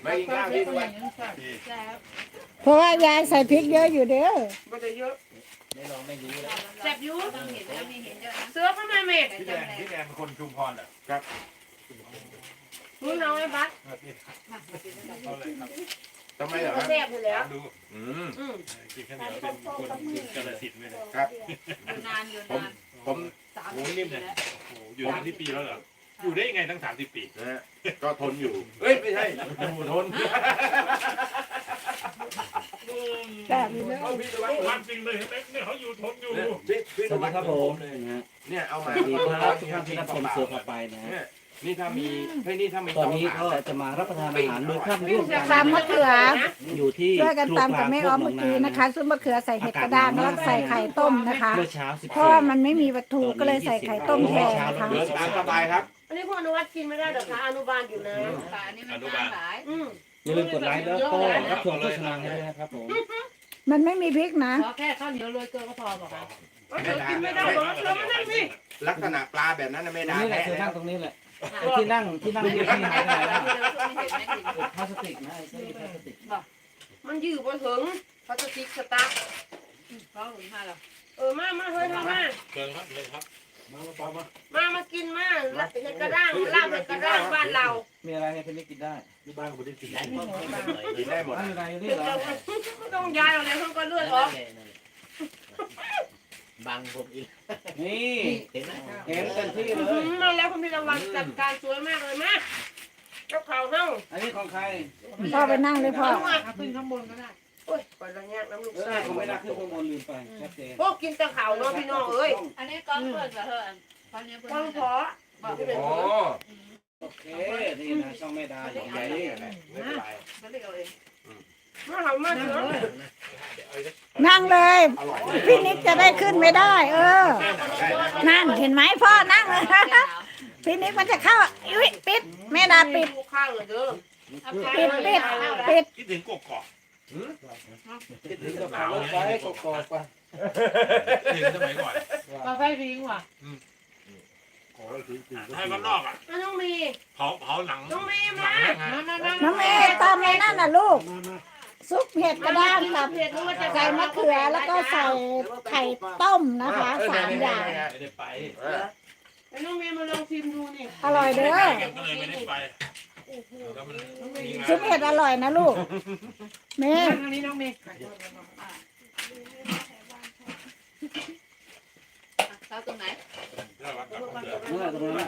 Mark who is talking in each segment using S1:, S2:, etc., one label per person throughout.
S1: ไปกินข้าวที่ด้วย
S2: เพราะว่ายายใส่พริกเยอะอยู่เด้อ
S3: ไม่ได้เยอะ
S4: ไม่ลองไม่รู้แล้ว
S3: แซ่บอยู่
S5: ต้องเห็นแล้วมีเห็นเยอะนะ
S3: เสือเข้ามาเม็ด
S1: พี่แดงเป็นคนชุมพรเหรอครับ
S3: มึงเอาไอ้บัส
S1: ทำไมเหรอค
S3: ก็
S1: รับ
S3: แซ่บอยู่แล้ว
S1: ดู
S6: กินข้าวเหนียวเป็นคนกาฬสินธุ์เลย
S1: ครับ
S5: อยู่นานอยู่นาน
S1: ผม
S6: โอ้นิ่มเนี่ยโอ้อยู่30 ปีแล้วเหรออยู่ได้ยังไงตั้ง30 ปี
S1: นะฮะก็ทนอยู่เอ้ยไม่ใช่อยู่ทน
S2: แบบนี้เลย
S6: ความจริงเลยเห็นไหมเนี่ยเขาอยู่ทนอยู่
S1: พี่
S4: สวัสดีครับผมนะฮะ
S1: เนี่ยเอา
S4: ส
S1: มา
S4: วัสดีครับทุกท่านที่รับชมเสือพาไปนะฮะ
S1: เนี่ยนี่ถ้ามีนี่ถ้ามี
S4: ตอนนี้ก็จะมารับประทานอาหารมื้อค่ำร่วมกัน
S2: ตำมะเขือ
S4: อยู่ที่
S2: ช่วยกันตำกับแม่อ้อมเมื่อกี้นะคะซุปมะเขือใส่เห็ดกระด้างแล้วใส่ไข่ต้มนะคะ
S4: เมื่อเช้า
S2: เพราะว่ามันไม่มีวัตถุก็เลยใส่ไข่ต้มแทนนะคะ
S1: เดินตามสบายครับ
S3: อันนี้พวกอนุวัตกินไม่ได้หรอกคะอนุบาลอยู่นะ
S5: ค่ะอันนี้มันจางหลาย
S4: อย่าลืมกดไลค์แล้วก็รับชมโฆษณาให้ด้วยนะครับผม
S2: มันไม่มีพริกนะ
S5: ขอแค่ข้าวเหนียวโรยเกลือก็พอบอกว่า
S3: เสือกินไม่ได้หรอกเสือมันนั่งสิ
S1: ลักษณะปลาแบบนั้นไม่ได้
S4: นี่แหละ
S1: แท้
S4: เธอ
S1: แล้
S4: นั่
S1: ว
S4: งตรงนี้แหละไอ้ที่นั่งที่หายไปไหนแล้ว
S5: ไม่เห็นไม่เห็น
S4: พลาสติกนะไอ้ที่พลาสติก
S3: มันยืดบนถึงพลาสติกสตาร์
S5: เขาหนุนมาหรอ
S3: มาเฮ้ยทำมา
S6: เชิญครับเลยครับมาปอมา
S3: มากินมาเห็ดกระด้างลาบเห็ดกระด้างบ้านเรา
S4: มีอะไรให้เพื่อนกินได้
S6: ที่บ้านผมได้กิน
S1: กินได้หมด
S4: อะไรอยู่นี่
S3: เห็ด
S4: เหรอ
S3: ไม่ต้องย้ายเอาเลยเขาก็เลือดออก
S4: บังผมอีกนี่เห็นไหมเห็นเต็มที่เลย
S3: มาแล้วคุณพี่ระวังจัดการสวยมากเลยมาเจ้าข่าวเน่า
S4: อันนี้ของใคร
S2: พ่อไปนั่งเลยพ่อ
S5: ขึ้นข้างบนก็ได้
S3: โอ้ยปล่อยระแงกน้ำลูก
S4: เออ
S3: ไส้
S4: ผมไม่ได้ขึ้นข้างบนลืมไปชัดเจน
S3: พวกกินแต่ข่าวเนาะพี่น้องเอ้ย
S5: อันนี้ก้อนเพื่อนกับเธอตอนนี้เพื่อน
S3: ต้องขอบอกที่เป็น
S1: โอ้
S4: โอเคนี่นะช่องแม่ดาอย่าง
S1: ใหญ่
S4: นี้
S1: ไม่เป็นไร
S5: เขาเรียกเอาเอง
S3: มาทำมาเถอะ
S2: นั่งเลย
S1: อร่อย
S2: พี่นิกจะได้ขึ้นไม่ได้ นั่นเห็นไหมพ่อนั่งเลยพี่นิกมันจะเข้าอุ๊ยปิดแม่ดาปิด
S3: ลูกข้างเลยเด้อ
S2: ปิด
S6: คิดถึงกกอก
S4: คิดถึงกับรถไฟกอกๆป่ะ
S6: ถึงสมัยก่อน
S5: กาแฟพิงว่ะ
S6: ให้มันนอกอ่ะ
S3: น้องมี
S6: เผาหนัง
S3: น้องมีมา
S2: น้องเมย์ตามในนั่นน่ะลูก ซุปเห็ดกระด้างกับ
S3: เผ็ดรู้ว่าจะ
S2: ใส่มะเขือแล้วก็ใส่ไข่ต้มนะคะ3 อย่าง
S6: ไม่ได้ไป
S3: น้องมีมาลองชิมดูนี่
S2: อร่อยเด้อ
S6: ก็เลยไม่ได้ไปแล้วมันมีงาน
S2: ซุปเห็ดอร่อยนะลูกเมย์
S5: อันนี้น้องเมย์เราตรงไหน
S6: แล้ววัดกับเสือ
S4: นั่นแหละตรงนั้น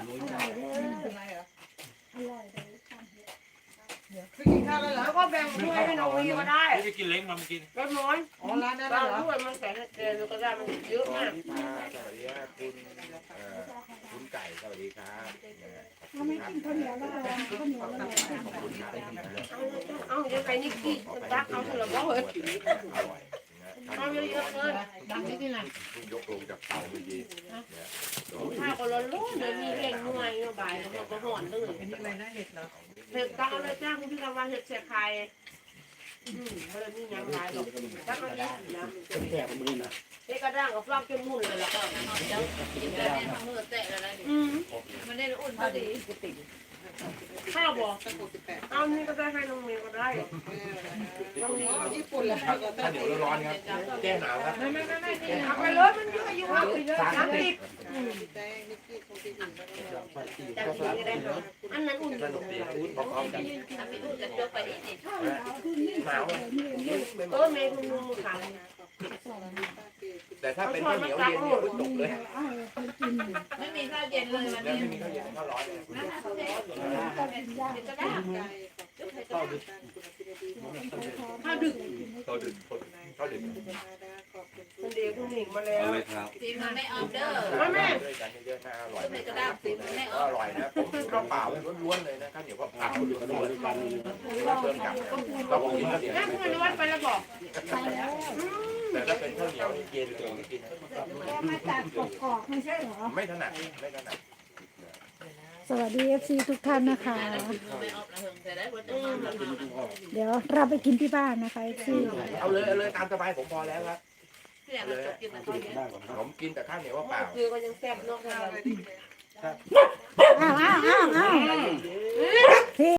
S3: แล้วก็แบ่งถ้วยให้น้องมีก็ได้
S6: ไม่ได้กินเล้งมากิน
S3: เล็กน้อย
S5: อ๋อร้านนั้น
S3: บาง
S5: เหรอ
S3: ถ้วยมันใส่เกลือก็ได้มันเยอะมาก
S1: สวัสดีครับคุณไก่สวัสดีครับ
S2: เขาไม่กินข้าวเหนียวแล้วเหรอข้าวเหนียวแล้วเหรอ
S1: ขอบคุณครับ
S3: เอาเดี๋ยวไปนี่กินรักเอาเถอะว่าเฮ้ย
S1: อร่อย
S3: เอาเยอะๆเลย
S5: ดังที่ที่ไหน
S1: ยกลงจากเตาเมื่อกี้
S3: ข้าวก็ร้อนๆเลยมีแกงหน่วยบ่ายแล้วก็ห่อนเลย
S5: เป็นอะไรนะเห็ดเหรอ
S3: เห็ดตักเลยจ้าคุณพี่กำลังเห็ดเสียไข่เฮ้ยนี่ยังไงหรอกตักอันนี้นะ
S4: แก่ผมนี่นะ
S3: เด็กกระด้างกับฟลอกจนมุ่นเลยแล้วก็
S5: เจ้ากินกันเนี่ยทั้งมือแตะอะไรดิมันได้อุ่นพอดี
S3: ข้าวบอกเอานี่ก็ได้ให้น้องเมย์ก็ได้น้องนี่ญี่ปุ่นแล้ว
S1: ข้าวเหนียวร้อนๆครับแก้หนาวครับ
S3: เอาไปเลยมันเยอะอยู่ครับ30อันนั้นอุ่น
S1: สนุกดีพร้อมๆกัน
S5: ทำให้อุ่นกันจบไปนี่นี่
S1: หนาว
S3: เมย์คุณลุงขาย
S1: แต่ถ้าเป็นข้าวเหนียวเย็นเนี่ยจบเลย
S5: ไม่มีข้าวเย็นเลยวัน
S1: แล้ว
S5: นี้
S1: ไม่มีข้าวเย็นข้าวร้อนเลย
S5: ก็ได้
S3: ข้าวดึก
S1: ข้าวดึกข้าวดึก
S3: มันเดี๋ยวคุณหนิงมาแล้ว
S5: สีมันไม่ออมเดอร์
S1: ด้วยกันเยอะๆน่าอร่อย
S5: ไม่กระด้างสีมันไม่อ
S1: ก็
S5: อ
S1: อ
S5: ม
S1: ร่อยนะผมข้าวเปล่าล้วนๆเลยนะข้าวเหนียวเปล่าล้วนๆเพิ่มกับเราบอกกินข้าวเหนียว
S3: นั่นคุณวัดไปแล้วบอก
S1: แต่ถ้าเป็นข้าวเหนียวเย็นเลยไม่กิน
S2: แกมาจากกกอกไม่ใช่เหรอ
S1: ไม่ถนัดไม่ถนัด
S2: สวัสดี FC ทุกท่านนะคะ
S5: ไม่ออมละเฮิงแต่ได้ว่าจะมา
S2: เดี๋ยวเราไปกินที่บ้านนะคะ FC
S1: เอาเลยตามสบายผมพอแล้วครับ
S5: ที่อยากจะกินแต่ข้าวเย็น
S1: ผมกินแต่ข้าวเหนียวเปล่า
S3: คือก็ยังแซ่บนอกจาก
S2: อ้าวพี่